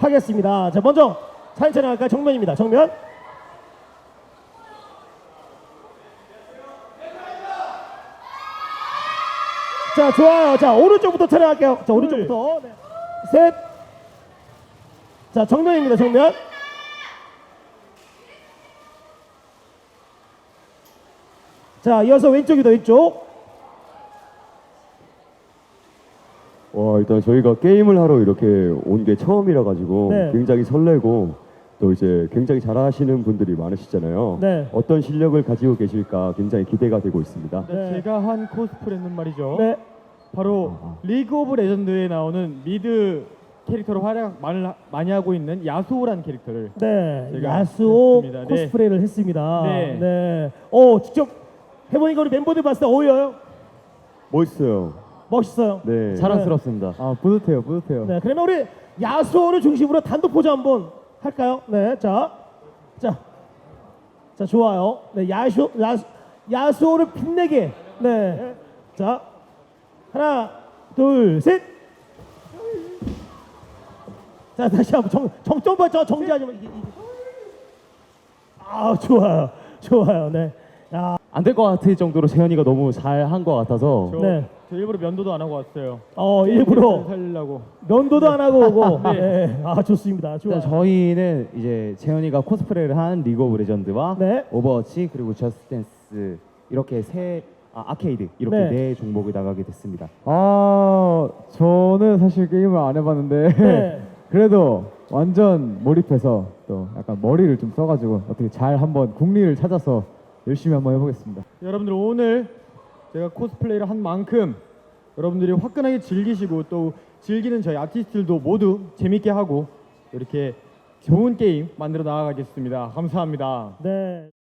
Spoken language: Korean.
하겠습니다. 자, 먼저 사진 촬영할까요? 정면입니다. 정면. 자, 좋아요. 자, 오른쪽부터 촬영할게요. 자, 오른쪽부터. 네. 셋. 자, 정면입니다. 정면. 자, 이어서 왼쪽이다. 왼쪽. 와, 일단 저희가 게임을 하러 이렇게 온 게 처음이라 가지고 네. 굉장히 설레고 또 이제 굉장히 잘하시는 분들이 많으시잖아요. 네. 어떤 실력을 가지고 계실까 굉장히 기대가 되고 있습니다. 네. 제가 한 코스프레는 말이죠. 네. 바로 리그 오브 레전드에 나오는 미드 캐릭터로 활약 많이 하고 있는 야수오라는 캐릭터를 네. 제가 야수오 했습니다. 코스프레를 했습니다. 네. 네. 직접 해보니까 우리 멤버들 봤을 때 어울려요? 멋있어요. 멋있어요. 네. 자랑스럽습니다. 아 뿌듯해요, 뿌듯해요. 네. 그러면 우리 야수오를 중심으로 단독 포즈 한번 할까요? 네. 자, 좋아요. 네. 야수오를 빛내게. 네. 자, 하나, 둘, 셋. 자, 다시 한번 정점만 정지하지 마. 아, 좋아요. 좋아요. 네. 야, 안 될 것 같을 정도로 재현이가 너무 잘 한 것 같아서 네. 저 일부러 면도도 안 하고 왔어요. 일부러 살리려고. 면도도 안 하고 오고. 네. 아, 좋습니다. 좋아요. 일단 저희는 이제 재현이가 코스프레를 한 리그 오브 레전드와 네. 오버워치 그리고 저스트 댄스 이렇게 아케이드 이렇게 네. 네 종목을 나가게 됐습니다. 저는 사실 게임을 안 해봤는데 네. 그래도 완전 몰입해서 또 약간 머리를 좀 써가지고 어떻게 잘 한번 국리를 찾아서 열심히 한번 해보겠습니다. 여러분들 오늘 제가 코스플레이를 한 만큼 여러분들이 화끈하게 즐기시고 또 즐기는 저희 아티스트들도 모두 재밌게 하고 이렇게 좋은 게임 만들어 나가겠습니다. 감사합니다. 네.